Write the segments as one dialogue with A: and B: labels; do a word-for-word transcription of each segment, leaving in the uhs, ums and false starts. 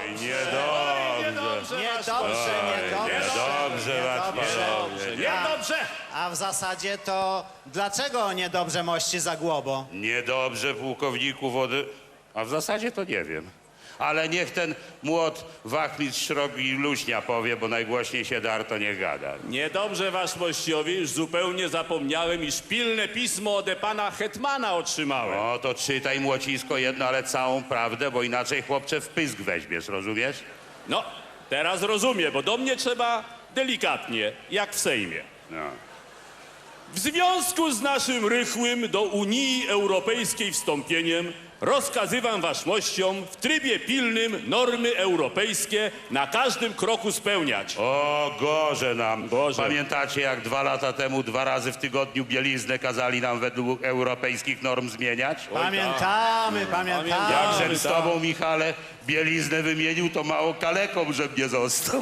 A: niedobrze.
B: Niedobrze, niedobrze.
A: Niedobrze, was panowie.
C: Niedobrze!
B: A w zasadzie to dlaczego niedobrze, mości Zagłobo?
A: Niedobrze, pułkowniku wody. A w zasadzie to nie wiem. Ale niech ten młot wachmistrz Szrogi Luśnia powie, bo najgłośniej się dar, to nie gada.
C: Niedobrze, wasz mościowie, już zupełnie zapomniałem, iż pilne pismo ode pana hetmana otrzymałem.
A: No to czytaj, młocisko, jedno, ale całą prawdę, bo inaczej chłopcze w pysk weźmiesz, rozumiesz?
C: No, teraz rozumiem, bo do mnie trzeba delikatnie, jak w Sejmie.
A: No.
C: W związku z naszym rychłym do Unii Europejskiej wstąpieniem rozkazywam waszmościom w trybie pilnym normy europejskie na każdym kroku spełniać.
A: O, gorze nam.
C: Gorze.
A: Pamiętacie, jak dwa lata temu dwa razy w tygodniu bieliznę kazali nam według europejskich norm zmieniać?
B: Pamiętamy, pamiętamy.
A: Jakżem z
C: tak.
A: tobą, Michale, bieliznę wymienił, to mało kaleką, żebym nie został.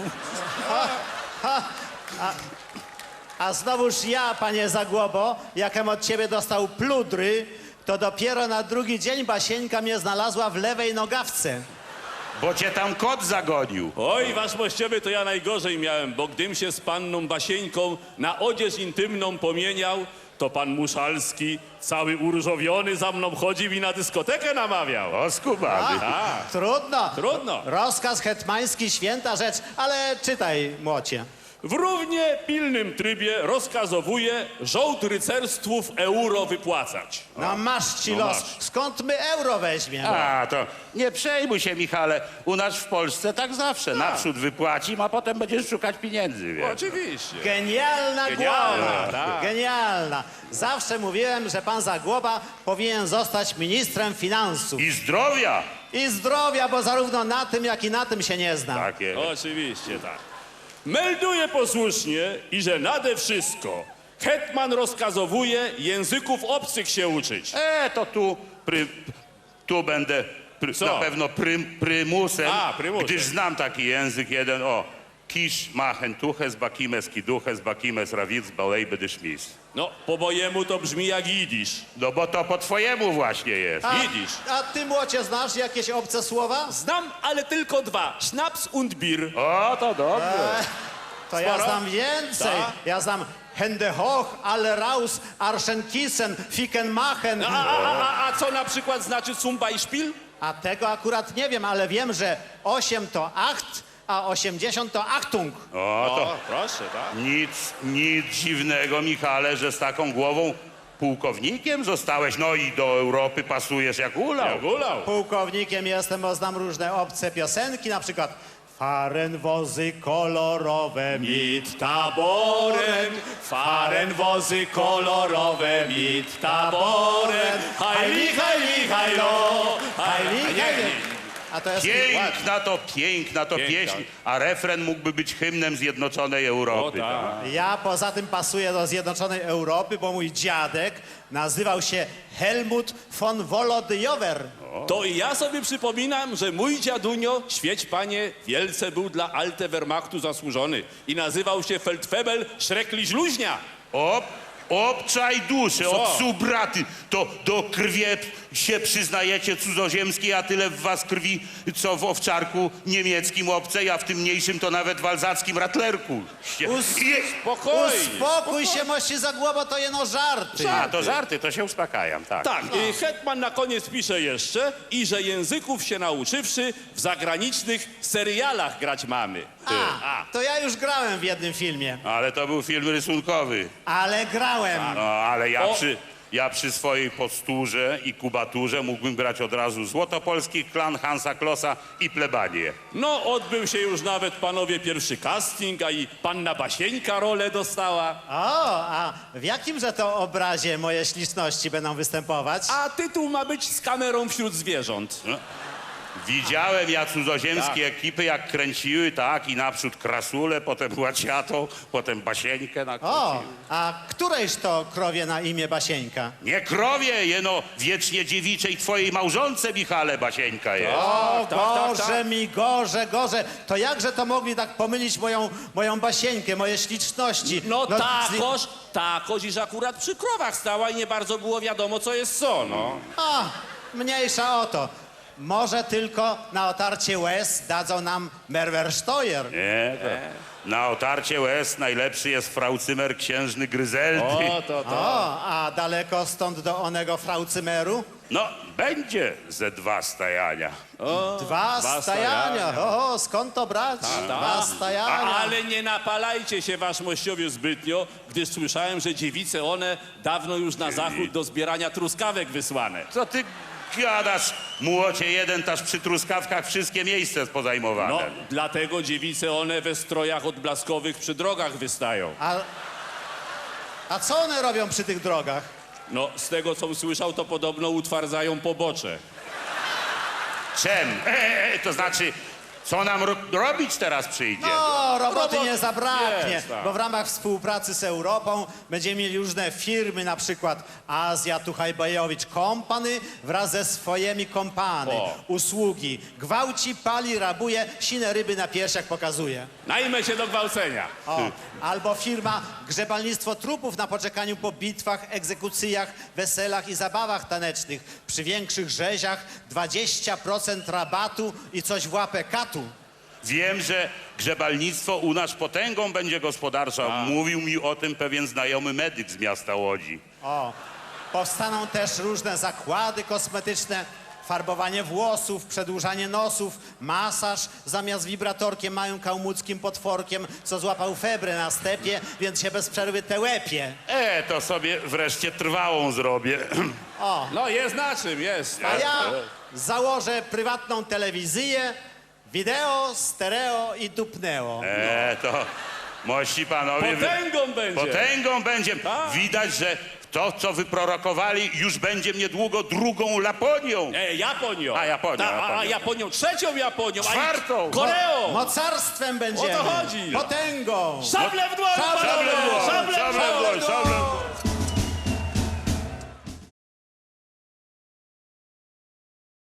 B: A znowuż ja, panie Zagłobo, jakem od ciebie dostał pludry, to dopiero na drugi dzień Basieńka mnie znalazła w lewej nogawce.
A: Bo cię tam kot zagonił.
C: Oj, wasz mościowy, to ja najgorzej miałem, bo gdym się z panną Basieńką na odzież intymną pomieniał, to pan Muszalski, cały uróżowiony, za mną chodził i na dyskotekę namawiał.
A: O, skubany.
C: Tak,
B: Trudno.
C: trudno.
B: Rozkaz hetmański, święta rzecz, ale czytaj, młocie.
C: W równie pilnym trybie rozkazowuje żołd rycerstwów euro wypłacać.
B: No masz ci
C: No
B: los.
C: masz.
B: Skąd my euro weźmiemy?
A: A, to nie przejmuj się, Michale. U nas w Polsce tak zawsze. Naprzód wypłacim, a potem będziesz szukać pieniędzy, wiesz.
C: Oczywiście.
B: Genialna
C: Genialna,
B: głowa.
C: tak.
B: Genialna. Zawsze mówiłem, że pan Zagłoba powinien zostać ministrem finansów.
A: I zdrowia.
B: I zdrowia, bo zarówno na tym, jak i na tym się nie zna.
A: Takie.
C: Oczywiście, tak. Melduję posłusznie i że nade wszystko hetman rozkazowuje języków obcych się uczyć.
A: E, to tu, pry, tu będę pry,
C: Co?
A: na pewno prym, prymusem,
C: A, prymusem.
A: gdyż znam taki język jeden, o. Kisz machen tuches, bakimes kiduches, bakimes rawic, balejby dyszmis.
C: No, po mojemu to brzmi jak jidysz.
A: No bo to po twojemu właśnie jest.
B: A,
C: Widzisz.
B: a ty, młocie, znasz jakieś obce słowa?
C: Znam, ale tylko dwa. Schnaps und Bier.
A: O, to dobrze.
B: To ja
C: Sporo?
B: znam więcej.
C: Tak.
B: Ja znam Hände hoch, alle raus, Arschenkissen, Fickenmachen.
C: A, a, a, a co na przykład znaczy zum Beispiel?
B: A tego akurat nie wiem, ale wiem, że osiem to acht, a osiemdziesiąt to Achtung.
A: O, to
C: proszę, tak.
A: nic, nic dziwnego, Michale, że z taką głową pułkownikiem zostałeś. No i do Europy pasujesz jak ulał.
C: Jak ulał.
B: Pułkownikiem jestem, bo znam różne obce piosenki, na przykład Fahren wozy kolorowe mit
C: Taborem, fahren wozy kolorowe mit taborem. Hajli, hajli, hajlo, hajli, hajli.
B: A to jest...
A: Piękna to, piękna to
C: Piękna.
A: pieśń, a refren mógłby być hymnem Zjednoczonej Europy.
C: O, tak.
B: Ja poza tym pasuję do Zjednoczonej Europy, bo mój dziadek nazywał się Helmut von Wolodyjower.
C: To i ja sobie przypominam, że mój dziadunio, świeć panie, wielce był dla Alte Wehrmachtu zasłużony i nazywał się Feldfebel Schrecklich Luźnia.
A: O, obczaj duszę,
C: Co?
A: od subraty, to do krwi się przyznajecie cudzoziemskiej, a tyle w was krwi, co w owczarku niemieckim obcej, a w tym mniejszym to nawet w alzackim ratlerku.
B: Us-
A: Je-
C: Spokojnie.
B: Uspokój się, mości Zagłobo, to jeno żarty.
A: A, to żarty, to się uspokajam, tak.
C: Tak, i hetman na koniec pisze jeszcze, i że języków się nauczywszy, w zagranicznych serialach grać mamy.
B: A, to ja już grałem w jednym filmie,
A: Ale to był film rysunkowy.
B: ale grałem.
A: No, ale ja
C: O.
A: przy, ja przy swojej posturze i kubaturze mógłbym grać od razu Złotopolski Klan, Hansa Klossa i Plebanię.
C: No, odbył się już nawet, panowie, pierwszy casting, a i panna Basieńka rolę dostała.
B: O, a w jakimże to obrazie moje śliczności będą występować?
C: A tytuł ma być Z kamerą wśród zwierząt.
A: No. Widziałem ja cudzoziemskie
C: Tak.
A: ekipy, jak kręciły, tak, i naprzód Krasulę, potem Łaciatą, potem Basieńkę
B: O,
A: nakręciły.
B: a którejż to krowie na imię Basieńka?
A: Nie krowie, jeno wiecznie dziewiczej twojej małżonce, Michale, Basieńka jest.
B: O,
C: tak, tak,
B: gorze
C: tak.
B: mi, gorze, gorze. To jakże to mogli tak pomylić moją, moją Basieńkę, moje śliczności?
C: No,
B: z-
C: takoż, takoż, iż akurat przy krowach stała i nie bardzo było wiadomo, co jest co, no.
B: A, mniejsza o to. Może tylko na otarcie łez dadzą nam Merwersteuer.
A: Nie, to na otarcie łez najlepszy jest fraucymer księżny Gryzeldy.
C: O, to, to.
B: O, a daleko stąd do onego fraucymeru?
A: No, będzie ze dwa stajania.
B: Dwa,
C: dwa
B: stajania.
C: stajania.
B: O, skąd to brać? Dwa stajania.
C: Ale nie napalajcie się, wasz mościowie, zbytnio, gdyż słyszałem, że dziewice one dawno już na zachód do zbierania truskawek wysłane.
A: Co ty gadasz, młocie jeden, taż przy truskawkach wszystkie miejsce pozajmowane.
C: No, dlatego dziewice one we strojach odblaskowych przy drogach wystają.
B: A, a co one robią przy tych drogach?
C: No, z tego, co słyszał, to podobno utwardzają pobocze.
A: Czem? E, e, to znaczy, co nam ro robić teraz przyjdzie?
B: No, roboty
C: Robot-
B: nie zabraknie,
C: jest, tak.
B: bo w ramach współpracy z Europą będziemy mieli różne firmy, na przykład Azja Tuchajbajowicz Company wraz ze swoimi kompany.
C: O.
B: Usługi. Gwałci, pali, rabuje, sine ryby na piersiach pokazuje.
C: Najmę się do gwałcenia.
B: O. Albo firma Grzebalnictwo Trupów na poczekaniu po bitwach, egzekucjach, weselach i zabawach tanecznych. Przy większych rzeziach dwadzieścia procent rabatu i coś w łapę katu.
A: Wiem, że grzebalnictwo u nas potęgą będzie gospodarcza. Mówił mi o tym pewien znajomy medyk z miasta Łodzi.
B: O, powstaną też różne zakłady kosmetyczne, farbowanie włosów, przedłużanie nosów, masaż zamiast wibratorkiem małym kałmuckim potworkiem, co złapał febrę na stepie, więc się bez przerwy tełepie.
A: E, to sobie wreszcie trwałą zrobię.
B: O,
C: No, jest na czym, jest.
B: a ja założę prywatną telewizję, wideo, stereo i dupneo.
A: E, to mości panowie... wy-
C: Potęgą będzie.
A: Potęgą będzie.
C: Tak.
A: Widać, że to, co wyprorokowali, już będzie niedługo drugą Laponią.
C: E, Japonią.
A: A, Japonią,
C: Ta, a, a
A: Japonią.
C: Japonią, trzecią Japonią.
A: Czwartą.
C: A i Koreą.
B: Mocarstwem będziemy.
C: O to chodzi.
B: Potęgą.
C: Szable w dłoń,
B: Szable w
C: panowie!